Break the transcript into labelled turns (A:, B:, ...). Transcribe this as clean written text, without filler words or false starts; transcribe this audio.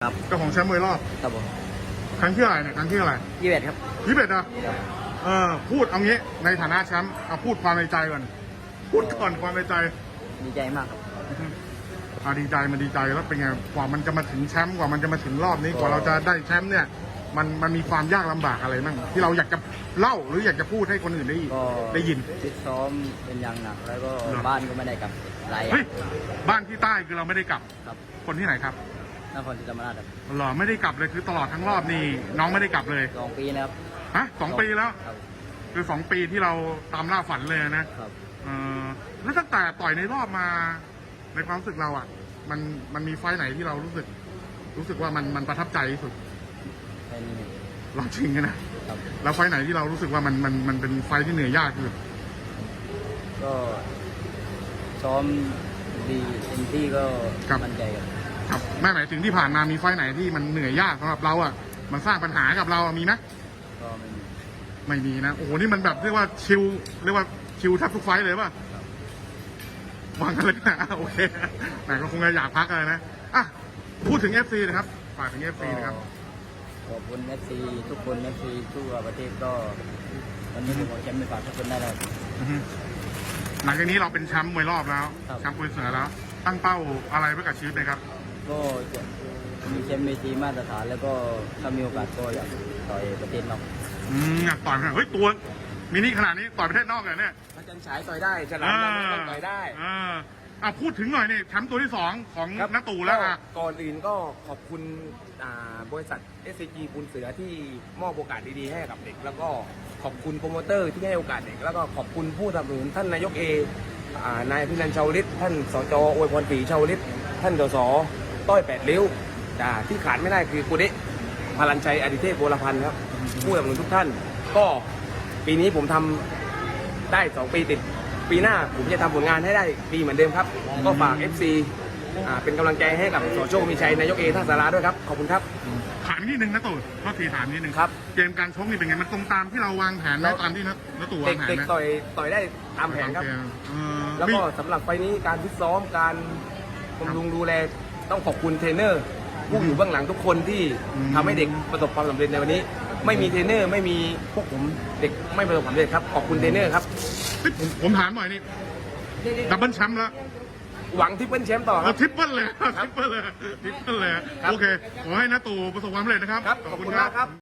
A: ครับ
B: เจ้าของแชมป์มวยรอบ
A: ครับผม
B: ครั้งที่อะไรเนี่ยครั้งที่อะไร
A: 21ครับ
B: 21อะพูดเอางี้ในฐานะแชมป์เอาพูดความในใจก่อนพูดก่อนความในใจ
A: ดีใจมากครับ
B: ดีใจมันดีใจแล้วเป็นไงกว่ามันจะมาถึงแชมป์กว่ามันจะมาถึงรอบนี้กว่าเราจะได้แชมป์เนี่ยมันมีความยากลำบากอะไรบ้างที่เราอยากจะเล่าหรืออยากจะพูดให้คนอื่นได้ยิน
A: ฟิตซ้อมเป็นอย่างหนักแล้วก็บ้านก็ไม่ได้กลับหลาย
B: บ้านที่ใต้คือเราไม่ได้กลับ
A: ครับ
B: คนที่ไหนครับ
A: นครศรีธรรมราชครับ
B: หรอไม่ได้กลับเลยคือตลอดทั้งรอบนี่น้องไม่ได้กลับเลย
A: 2 ปีนะครับ
B: ฮะ2 ปีแล้วคือ2 ปีที่เราตามล่าฝันเลยนะครับแล้วตั้งแต่ต่อยในรอบมาในความรู้สึกเราอ่ะมันมีไฟไหนที่เรารู้สึกว่ามันประทับใจที่สุด
A: ไฟนี้
B: ลองชิงกันนะครับแล้วไฟไหนที่เรารู้สึกว่ามันเป็นไฟที่เหนื่อยยากคือ
A: ก็ซ้อมดีเต็มที่ก็มั่นใจ
B: ครับแม่หมายถึงที่ผ่านมามีไฟไหนที่มันเหนื่อยยากสำหรับเราอ่ะมันสร้างปัญหากับเรามีไหม
A: ก็
B: ไม่มีนะโอ้โหนี่มันแบบเรียกว่าชิลแทบทุกไฟเลยป่ะวางกันเลยนะโอเคแต่ก็คงจะอยากพักเลยนะอ่ะพูดถึง FC นะครับฝากถึง FC นะครับ
A: ขอบคุณ FC ทุกคน FC ทั่วประเทศก็วันนี้ผมขอแชมป์ไปฝากทุกคนได้แล้ว
B: หลังจากนี้เราเป็นแชมป์มวยรอบแล้วแชมป์มวยเสือแล้วตั้งเป้าอะไรไว้กับชีวิตนะครับ
A: ก็มีแชมป์เวทีมาตรฐานแล้วก็ถ้ามีโอกาสก็อยากต่อยประเทศนอก
B: อยากต่อยเฮ้ยตัวมินิขนาดนี้ต่อยประเทศนอกเลยเนี่ย
C: พระจันทร์ฉายต่อยได้ฉลามดำต้องต่อยได้
B: พูดถึงหน่อยนี่แชมป์ตัวที่2ของน้าตู่แล้ว
C: ก่อนอื่นก็ขอบคุณบริษัท SCG ปูนเสือที่มอบโอกาสดีๆให้กับเด็กแล้วก็ขอบคุณโปรโมเตอร์ที่ให้โอกาสเด็กแล้วก็ขอบคุณผู้สนับสนุนท่านนายกนายพินันท์ ชาวลิตท่านสจ.อวยพรศรีชาวลิตท่านสส.ต้อย8 ริ้วที่ขาดไม่ได้คือกุเดะพลันชัยอดิเทพโบราพันธ์ครับผู้สนับสนุนทุกท่านก็ปีนี้ผมทำได้2 ปีติดปีหน้าผมจะทำผลงานให้ได้ดีเหมือนเดิมครับก็ฝาก FC เป็นกำลังใจให้กับสโชคมีชัยนายกท่าสาราด้วยครับขอบคุณครับ
B: ถามนิดนึงนะตู่ก็ทีถามนิดนึง
C: ครับ
B: เกมการชกนี่เป็นไงมันตรงตามที่เราวางแผนไหมตามที่นะตู่วางแผนไหม
C: เด็กต่อยได้ตามแผนครับแล้วก็สำหรับไฟนี้การฟิตซ้อมการบำรุงดูแลต้องขอบคุณเทรนเนอร์ผู้อยู่เบื้องหลังทุกคนที่ทำให้เด็กประสบความสำเร็จในวันนี้ไม่มีเทรนเนอร์ไม่มีพวกผมเด็กไม่ประสบความสำเร็จครับขอบคุณเทรนเนอร์ครับ
B: ผมถามหน่อยนี่ดับเบิลแชมป์แล้ว
C: หวังทริปเปิลแชมป์ต่อครับ
B: ทริปเปิลเลยโอเคขอให้น้าตู่ประสบความสำเร็จนะครับ
C: ขอบคุณมากครับ